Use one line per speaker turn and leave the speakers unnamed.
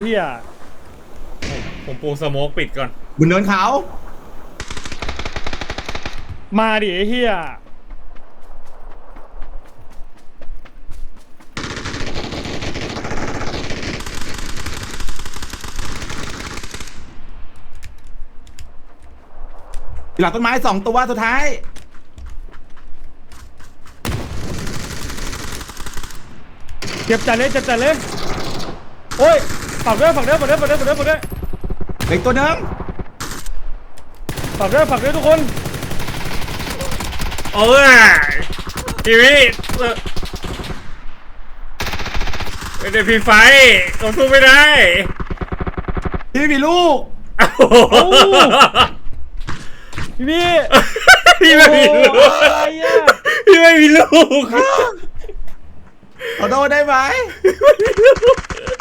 เฮีย
ผมปูสโมกปิดก่อน
บนเนินเขา
มาดิไอ้เฮีย
หลังต้นไม้2 ตัวสุดท้าย
เจ็บจัดเลยเจ็บจัดเลยโอ้ยฝักด้วยฝักด้วยฝักด้วยฝักด้วยฝักด้วยฝักด้วย
เหล็กตัวหนึง
ฝักด้วยฝักด้วยทุกคน
โอ้ยชีวิตไม่ได้พีไฟเราสู้ไม่ได้
พี่ไม่มีลูก
พี่
พี่ไม่มีลูก
โอ้อะไรอ่ะ
พี่ไม่มีลูก
ขอโทษได้ไหม